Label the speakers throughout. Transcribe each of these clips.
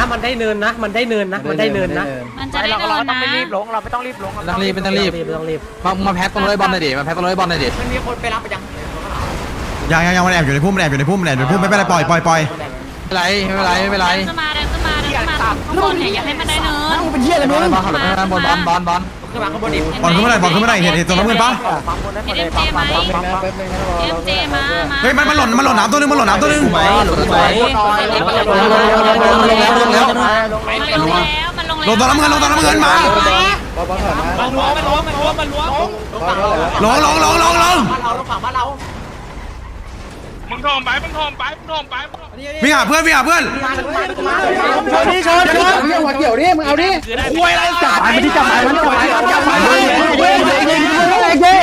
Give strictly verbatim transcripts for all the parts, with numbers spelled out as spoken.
Speaker 1: มันได้เนินนะมันได้เนินนะมันได้เนินนะ
Speaker 2: มันจะได้
Speaker 3: เรา
Speaker 2: เดิ
Speaker 3: เรา
Speaker 2: น
Speaker 3: ต้อง
Speaker 2: นะ
Speaker 3: ไม่รีบลงเราไม่ต้องรีบลง
Speaker 4: ไม่ต้องรีบไม่ต้องรีบ
Speaker 1: ไม่ต้องรีบ
Speaker 4: มามาแพ็คตรงเลยบอลหน่อยดิมาแพ็คตรงเลยบอลหน่อยดิ
Speaker 3: มันมีคนไปรับไปยัง
Speaker 5: ยังยังยังมันแอบอยู่ในพุ่มมันแอบอยู่ในพุ่มมันแอบอยู่ในพุ่มไม่เป็นไรปล่อยปล่อยปล่อย
Speaker 4: ไม่เป็นไรไม่เป็นไรไม่เป็นไร
Speaker 2: เดินขึ้นมาเดินขึ้นมาเดินขึ้นมาข้างบนเนี่ยอย่าให้มันได้เนิน
Speaker 4: เป็นเหี้ยอะไรมึงบอลขับรถไปบอลบอลบอลบอล
Speaker 3: ขึ้นมาข้างบนดิ
Speaker 5: บอลขึ้นมาหน่อยบอลขึ้นมาหน่อยเห็นเห็นตรงน้ำเงินปะ
Speaker 3: ปั๊มบนได้หมดเลยปั๊มปั๊มปั๊มปั๊มปั๊ม
Speaker 2: เอ็มเจมามา
Speaker 5: เฮ้ยมันมันหล่นมันหล่นน้ำตัวนึงมันหล่นน้ำตัวนึง
Speaker 1: ไหมหรือไหม
Speaker 2: มันลงแล้วมันลง
Speaker 5: ลงตอนน้ำเงินลงตอนน้ำเงินมา
Speaker 3: มันล้วมันล้วมันล้วมันล้วลงฝั่งเรา
Speaker 5: ลงลงลงลงลง
Speaker 3: บ้านเราลงฝั่งบ้านเรา
Speaker 6: มึงโทมไปมึงโทมไปมึงโทมไป
Speaker 5: วิ่งหาเพื่อนวิ่งหาเพื่อน
Speaker 1: ชนดิชนชนเรื่องหัวเกี่ยวดิมึงเอาดิคุยอะไรจับไปที่จับไปมันจับไปจับไปเฮ้ยเฮ้ยเฮ้ยเฮ้ยเฮ้ย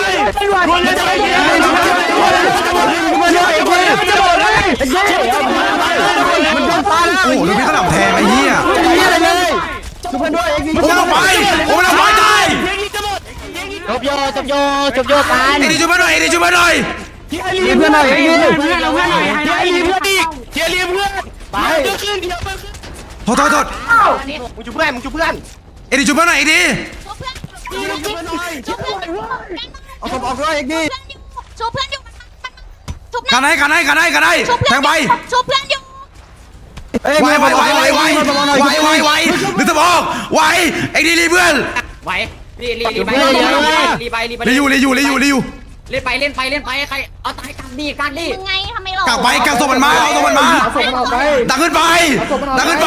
Speaker 1: มันโดนตาแล้ว
Speaker 5: โอ้โหดูพี่ขนมแทงไอ้เหี้ย
Speaker 1: อะไรเลยชุบเพื่อนด้วยเอง
Speaker 5: โอ้ลงไปโอ้ลงไปตาย
Speaker 1: จบโยจบโยจบโยกัน
Speaker 5: ไอ้ดิช่วยมาหน่อยไอ้ดิช่วยมาหน่อย
Speaker 1: รีเพื่อนหน่อยรีเพื่อนเราเพื่อนหน่อยรีเพื่อนอีกเชียร์รีเพื่อนไป
Speaker 5: โทษโทษโทษ
Speaker 1: มึงชุบเพื่อนมึงชุบเพื่อน
Speaker 5: ไอ้ดิช่วยมาหน่อยไอ้ดิ
Speaker 2: ชุบเพื่อนชุบเพื่อน
Speaker 1: เอาศพออกด้วยเองดิ
Speaker 2: ชุบเพื่อนอยู่ชุบ
Speaker 5: กันให้กันให้กันให้กันให้แทงไป
Speaker 2: ชุบเพื่อนอยู่
Speaker 5: ไวไวไวไวไวไวไวไวนึกสมองไวไอ้ดิรีเพื่อน
Speaker 3: ไหวรีรีรีไปรีไปรีไป
Speaker 5: รีอยู่รีอยู่รีอยู่รีอยู่
Speaker 3: เล่นไปเล่นไปเล่นไปใครเอาตายกันดีกันดี
Speaker 2: มึงไงทำไมหรอก
Speaker 5: ลับไปกักศพมันมาเอาศพมันมา
Speaker 1: เอาศพมันออกไป
Speaker 5: ดังขึ้นไปดังขึ้นไป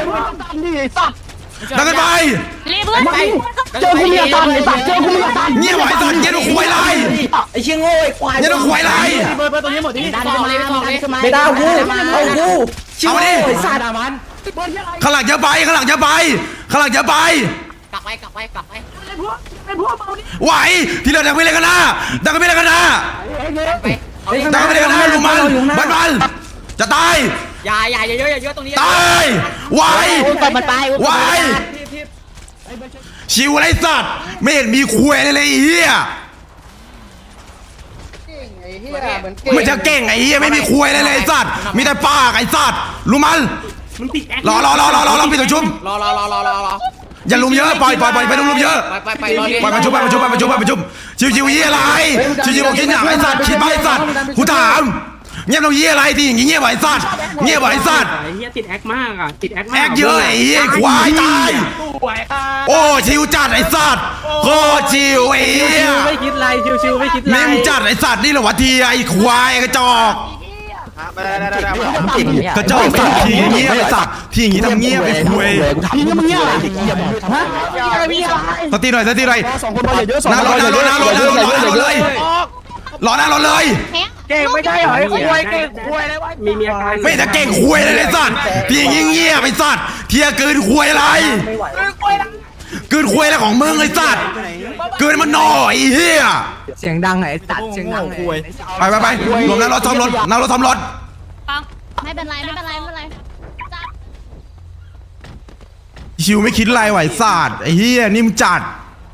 Speaker 5: ดังขึ้นไป
Speaker 2: รีเพื่อนไป
Speaker 1: เจอคุณมีอาการไอ้สัตว์เจอคุณมีอาการ
Speaker 5: เงียบไว้สัตว์เงียบดูควายไร
Speaker 1: ไอ้เชี่ยโง่ไอ้ควาย
Speaker 5: เงียบดูควายไร
Speaker 1: เบอร์เบอร์ตัวนี้หมดที่
Speaker 3: ดันขึ้นมาเลยไม่ต้องเลย
Speaker 1: ไม่ได้กูเอากู
Speaker 5: เอามาดิ
Speaker 1: ไอ้สัตว์มัน
Speaker 5: ข้างหลังเยอะไปข้างหลังเยอะไปข้างหลังเยอะไป
Speaker 3: กลับไปกลับไปกลับไป
Speaker 5: ไหวที่เราดังไปเลยกันนะดังไปเลยกันนะ
Speaker 3: ไป
Speaker 5: ดังไปเลยกันนะลุงมันบันบันจะตาย
Speaker 3: อย่าอย่าอย่าเยอะอย่าเยอะตรงนี้
Speaker 5: ตายไหว
Speaker 1: ตบมันไป
Speaker 5: ไหวชิวไรสัตว์ไม่เห็นมีคุยเลยเลยไอ้เหี้ยมันจะเก่งไอ้เหี้ยไม่มีคุยเลยเลยไอ้สัตว์มีแต่ปากไอ้สัตว์ลุงมันรอรอรอรอรอรอพี่ตัวชุ่ม
Speaker 3: รอรอรอรอรอรอ
Speaker 5: อย่าลุมเยอะปล่อยปล่อยปล่อยไปลุมเยอะ
Speaker 3: ไปไปไปรอเรียน
Speaker 5: ปล่อยมาชุบไปมาชุบไปมาชุบไปมาชุบชิวชิวยี่อะไรชิวชิวบอกกินอย่างไอ้สัตว์คิดไปไอ้สัตว์กูถามเงียบเรายี่อะไรที่อย่างงี้เงียบไอ้สัตว์เงียบไอ้สัตว์
Speaker 7: ไอ้เหี้ยติดแอคมากอ่ะติดแอคมาก
Speaker 5: แอกเยอะไอ้เหี้ยควายตายโอ้ชิวจัดไอ้สัตว์โคตรชิวไอ้เหี้ย
Speaker 1: ไม่คิดไรชิวๆไม่คิดไร
Speaker 5: นิ่มจัดไอ้สัตว์นี่เหรอวะทีไอ้ควายกระจอกกระจอกสัตว์ทีอย่างงี้ไอ้สัตว์ทีอย่างงี้ทำเงียบไอ้คุย
Speaker 1: พี่ก็มึงเงี้ยฮะอะไรพี่อะไร
Speaker 5: สติหน่อยสติหน่อย
Speaker 1: สองคนพออย่าเยอะสอง
Speaker 5: หน้ารถหน้ารถหน้ารถหน้ารถหน้ารถเลยรอหน้ารถเลย
Speaker 1: เก่งไม่ได้เหรอไอ้คุยเก่งคุยอะไรวะ
Speaker 7: มีมีอาการ
Speaker 5: ไม่แต่เก่งคุยเลยไอ้สัตว์ทีอย่างงี้เงียบไอ้สัตว์เทียเกินคุยอะไรเกินคุยอะไรของมึงไอ้สัตว์เกินมันหน่อยเฮีย
Speaker 4: เสียงดังไอ้ตัดเสียงดังไอ้
Speaker 5: ไปไปไปรวมหน้ารถทอมรถหน้ารถทอมรถ
Speaker 2: ปังไม่เป็นไรไม่เป็นไรไม่เป็นไรจัด
Speaker 5: ชิวไม่คิดอะไรไหวศาสตร์ไอ้เฮียนิ่มจัด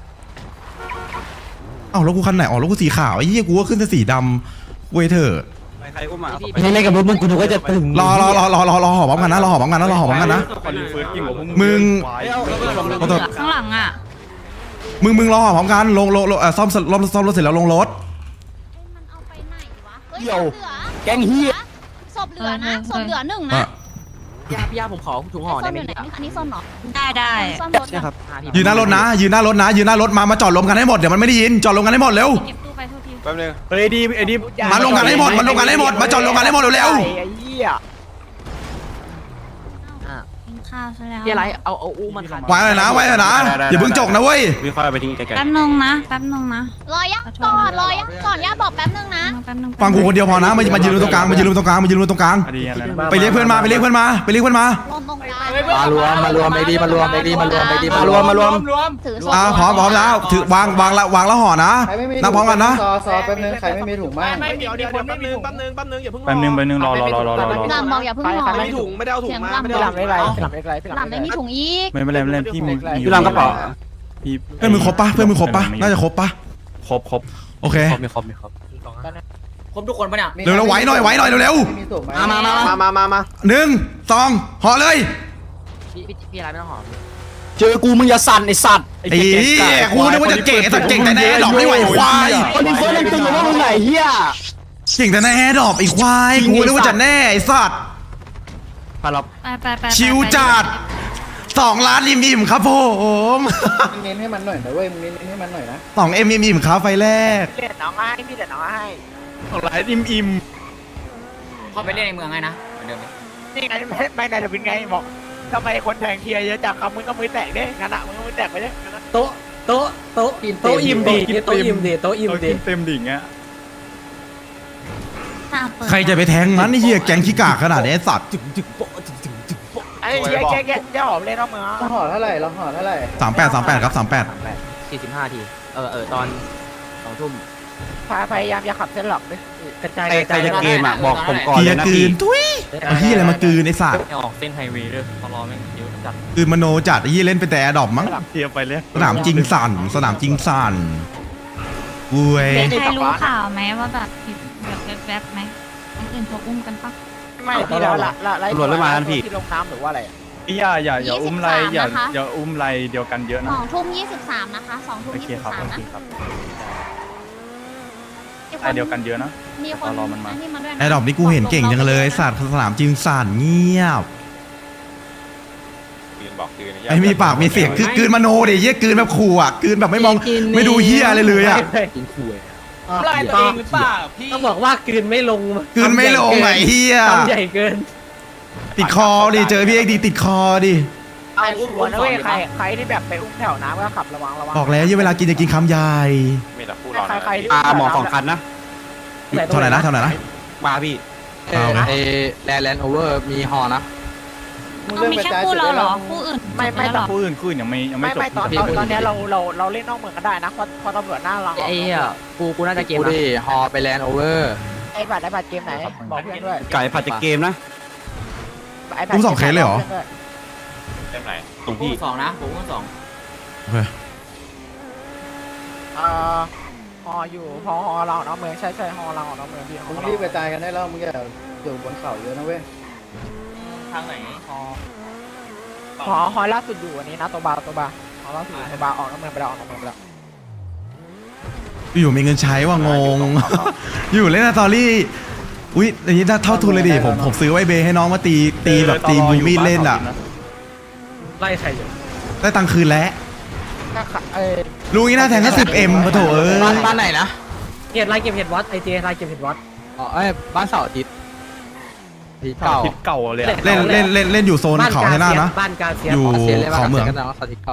Speaker 5: เอ้าแล้วกูคันไหนอ๋อแล้วกูสีขาวไอ้เฮียกูก็ขึ้นแต่สีดำเว้ยเถอะ
Speaker 4: ไม่เล่นกับรถมึงกูนึกว่าจะถึง
Speaker 5: รอรอรอรอรอรอหอพร้อมกันนะรอหอพร้อมกันนะรอหอพร้อมกันนะมึงขอโทษ
Speaker 2: ข้างหลังอ่ะ
Speaker 5: มึงมึงรอหอพร้อมกันลงลงลงเอ่อซ่อมซ่อมซ่อมรถเสร็จแล้วลงรถ
Speaker 2: มันเอาไปไหนวะ
Speaker 1: เกี่ยวแกงเฮีย
Speaker 2: ศพเหลือนะศพเหลือหนึ่งนะ
Speaker 5: อ่ะ
Speaker 4: พี่อาพี่อาผมขอถุงห่อ
Speaker 2: ซ่
Speaker 4: ได้
Speaker 2: อม
Speaker 4: ไหม
Speaker 2: อยู่ไหนอันนี้ซ่อมหรอได้ได้ซ่อมรถนะ
Speaker 5: ยืนหน้ารถนะยืนหน้ารถนะยืนหน้ารถมามาจอดรวมกันให้หมดเดี๋ยวมันไม่ได้ยินจอดรวมกันให้หมดเร็ว
Speaker 2: เก็บตู้ไปโทษที
Speaker 6: แป๊บนึง
Speaker 1: เฮ้ยดีไอ้ดี
Speaker 5: มาลงกันให้หมดมาลงกันให้หมดมาจอดรวมกันให้หมดเร็ว
Speaker 1: ไอ้เหี้ย
Speaker 2: กินข้าวซะแล้ว
Speaker 4: พี่อะไรเอาเอาอู้มันขัน
Speaker 5: ๆไว้เลยนะไว้เลยนะอย่าเพิ่งจกนะเว้ย
Speaker 6: วิเคราะห์ไปทิ้งไกล
Speaker 2: แป๊บนึงนะแป๊บนึงนะรอยักก่อนรอยักก่อนย่าบอกแป๊บนึงนะแป๊บนึง
Speaker 5: ฟังกูคนเดียวพอนะมามายืนตรงกลางมายืนตรงกลางมายืนตรงกลาง
Speaker 6: ๆคดีอะไรนะ
Speaker 5: ไปเรียกเพื่อนมาไปเรียกเพื่อนมาไปเรียกเพื่อนมา
Speaker 2: ลงตรงกลาง
Speaker 4: มารวมมารวมไอ้ดีมารวมไอ้ดีมารวมไอ้ดีมารวมมารวม
Speaker 2: ถือ
Speaker 5: อ่าพร้อมพร้อมแล้วถือวางวางละวางแล้วห่อนะนับพร้อมกันนะ
Speaker 8: ซอซอแป๊บนึงใครไม่มีถุงบ้าง
Speaker 3: ไม่เดี๋ยวเดี๋ยวแป๊บนึงแป๊บนึงแป๊บนึงอย่าเพิ่ง
Speaker 6: แป๊บนึงแป๊บนึงรอรอรอรอรอรอ
Speaker 2: ลำบอกอย่าเพิ่งรอ
Speaker 3: ไม่มีถุงไม่ได้เอาถุงมาไม่ได้
Speaker 1: หลั
Speaker 3: เอา
Speaker 1: บไม่ไรหลับไม่ไร
Speaker 2: ลำไม่มีถุงอีก
Speaker 6: ไม่เป็นไรไม่เป็นไรพี่มีมี
Speaker 4: พี่รามกระเป๋า
Speaker 6: พี่
Speaker 5: เพื่อนมึงครบปะเพื่อนมึงครบปะน่าจะครบปะ
Speaker 6: ครบครบ
Speaker 5: โอเค
Speaker 6: ครบมีครบมีครบ
Speaker 3: ครบทุกคนปะเนี่ย
Speaker 5: เร็วๆไว้หน่อยไว้หน่อยเร็ว
Speaker 8: ไม่มีถุงไหม
Speaker 4: มามามา
Speaker 3: มามามามา
Speaker 5: ๆหนึ่งสองห่อเลย
Speaker 4: พี่พี่พี่อะไรไม่ต้องหอม
Speaker 1: เจอกูมึงอย่าสั่นไอสัตว์
Speaker 5: ไอ้เหี้ยกูนึกว่าจะเก่งไอ้สัตว์เก่งแต่ในแอร์ดรอปไม่ไหวควาย
Speaker 1: คนนี้เฟิร์สยังตึงอยู่ว่ามึงไหนเฮีย
Speaker 5: เก่งแต่ในแอร์ดรอปไอ้ควายกูนึกว่าจะแน่ไอ้สัตว์
Speaker 1: พาเรา
Speaker 2: ไปไปไป
Speaker 5: ชิวจัดสองล้านริมอิ่มครับผม
Speaker 8: มึงเน้นให้มันหน่อยนะเว้ยมึงเน้นให้มันหน่อยนะ
Speaker 5: สองเอ็มอิ่มครับไฟแรก
Speaker 4: เด็ดน้องให้พี่เด็ดน้องให้
Speaker 3: หลายอิ่มอิ่ม
Speaker 4: เขาไปเล่นในเมืองไงนะเหมือนเดิม
Speaker 9: นี่ไงไม่ไม่ได้จะเป็นไงบอกทำไมคนแทงเทียเยอะจังครับมึงก็มือแตกด้งั้นอ่ะมึงก็มือแตกไปด้
Speaker 1: โต๊ะโต๊ะโต๊ะโต๊ะอิ่มดีโต๊ะอิ่มดีโต๊ะอิ่มดี
Speaker 3: เต็มดิ่งอ่ะ
Speaker 5: ใครจะไปแทงมันไอ้เหี้ยแก๊งขี้กากขนาดนี้ไอ้สัตว์
Speaker 9: ไอ้เจ๊แกแกจะหอมเล่นน้องเมือง
Speaker 8: เราห่อเท่าไหร่เราห่อเท่าไหร่
Speaker 5: สามแปดสามแปดครับสามแปด
Speaker 4: สี่สิบห้าทีเออเออตอนสองทุ่ม
Speaker 9: พยายามอย่าขับเส้นหลักดิ
Speaker 1: กระจายกระจายเกมอ่ะบอกผมก่อน
Speaker 5: เกี
Speaker 1: เลย ย
Speaker 5: ร์
Speaker 1: นะ
Speaker 5: กลื
Speaker 1: พี่
Speaker 5: นทุยเอาเหี้ยอะไรมากลืนไอ้สัตว์
Speaker 4: ออกเส้นไฮเวย์ด้วยตลอดแม่งเยอะจัด
Speaker 5: กลืนมโนจัดไอ้เหี้ยเล่นไปแต่แอร์ดรอปมั้ง
Speaker 3: เทียบไปเลย
Speaker 5: สนามจริงสั่นสนามจริงสั่นอุ้ย
Speaker 2: ใครรู้ข่าวไหมว่าแบบแบบแวบๆไหมคนอื่นเขาอุ้มกันปะ
Speaker 9: ไม่ที่เราละละไล่ที่ลงน้ำหรือว่าอะไร
Speaker 3: อย่าอย่าอย่าอุ้มไรอย่าอย่าอุ้มไรเดียวกันเยอะ
Speaker 2: ส
Speaker 3: นะ
Speaker 2: องทุ่มยี่สิบสามนะคะสองทุ่ม
Speaker 3: โอเค
Speaker 2: ยี่สิบ
Speaker 3: ครับ
Speaker 2: สาม
Speaker 3: โอ
Speaker 2: นะ
Speaker 3: เคครับไรเดียวกันเยอะนะ
Speaker 2: มีคน
Speaker 3: รอมันมา
Speaker 2: นี่มาด้วยนะ
Speaker 5: แอร์ดรอปนี่กูเห็นเก่งจังเลยสัตว์สนามจริงสั่นเงียบไอ้มีปากมีเสียงคือกลืนมโนดิเหี้ยกลืนแบบขู่อ่ะกลืนแบบไม่มองไม่ดูเหี้ยอะไรเลยอ่ะ
Speaker 1: กินคุย
Speaker 9: ไล่ตัวเองหรือเปล่าพี่
Speaker 1: ต้องบอกว่ากลืนไม่ลง
Speaker 5: กลืนไม่ลงไอ้เหี้ย
Speaker 1: ทำใหญ่เกิน
Speaker 5: ติดคอดิเจอพี่เอ็กดีติดคอดิ
Speaker 9: ไอ้อุ้มนะเว้ยใครใครที่แบบไปอุ้มแถวน้ำก็ขับระวังระวัง
Speaker 5: บอกแล้วเวลากินจะกินคำใหญ่
Speaker 9: ใครใครที่
Speaker 1: อ่าหมอสองคันนะ
Speaker 5: เท่าไหร่นะเท่าไหร่นะ
Speaker 1: มาพี่
Speaker 5: เอาไง
Speaker 4: เอแลนด์แลนด์โอเวอร์มีฮอนะ
Speaker 8: มึง
Speaker 2: เอา
Speaker 8: เริ่ม
Speaker 2: มี
Speaker 8: กระ
Speaker 2: แค่
Speaker 8: จาย
Speaker 2: คู่
Speaker 8: จุด
Speaker 2: เรา
Speaker 8: ได้
Speaker 2: เหร
Speaker 8: แล้
Speaker 2: อ
Speaker 8: ว
Speaker 2: คู่อื่น
Speaker 9: ไม่ไม่
Speaker 2: หรอ
Speaker 3: คู่อื่นคู่อื่นยังไม่ยังไม่
Speaker 9: ไม่
Speaker 3: จบ
Speaker 9: ไม่ตอนตอนนี้เราเราเราเล่นนอกเมืองก็ได้นะเพราะพอตำรวจหน้าเรา
Speaker 4: ไอ้เหี้ยกูกูน่าจะเกมดิฮอไปแลนด์โอเวอร์
Speaker 9: ไอ้บัตรไอ้บัตรเกมไหนบอกเพื่อนด้วย
Speaker 1: ไก่ผัดจะเกมนะ
Speaker 5: อุ้มสองเคสเลยเหรอ
Speaker 4: ตรงพี่สองนะผมก็สอง
Speaker 5: โอเค
Speaker 9: เอ่อฮออยู่ฮอฮอเราออกนอกเมืองใช่ใช่ฮอเราออกนอกเมืองพี่
Speaker 8: มึงรีบกระจายกันได้แล้วมึงอย่าอยู่บนเขาเยอะนะเว้ย
Speaker 4: ทางไหนฮอ
Speaker 9: ฮอฮอล่าสุดอยู่อันนี้นะตัวบาตัวบาฮอล่าสุดตัวบาออกนอกเมืองไปแล้วออกนอกเมืองไปแล้ว
Speaker 5: อยู่มีเงินใช้ว่างง อยู่เล่นสตอรี่อุ้ยอย่างนี้ถ้าเท่าทุนเลยดิผมผมซื้อไว้เบให้น้องมาตีตีแบบตีบูมีดเล่นอ่ะ
Speaker 1: ไล่ใครอยู่
Speaker 5: ได้ตังค์คืนแล้ว
Speaker 9: ก็ขะเอ้ย
Speaker 5: ลุงนี่น่าแทงแค่สิบเอ็มปะโถเอ้ย
Speaker 4: บ้านบ้านไหนนะ
Speaker 1: เก็บไล่เก็บเห็ดวัดไอเจไล่เก็บเห็ดวัด
Speaker 4: อ๋อเอ้ยบ้านเสาร์อาทิตย์ที่เก่า
Speaker 3: ทิปเก่าเลย
Speaker 5: เล่นเล่นเล่นเล่นอยู่โซนเขาให้หน้านะ
Speaker 1: บ้านกาเซีย
Speaker 5: อยู่
Speaker 4: เสียเลยบ้าน
Speaker 5: เขาเมือง
Speaker 4: เสียกันแล้วเสาร์อาทิตย์เก่า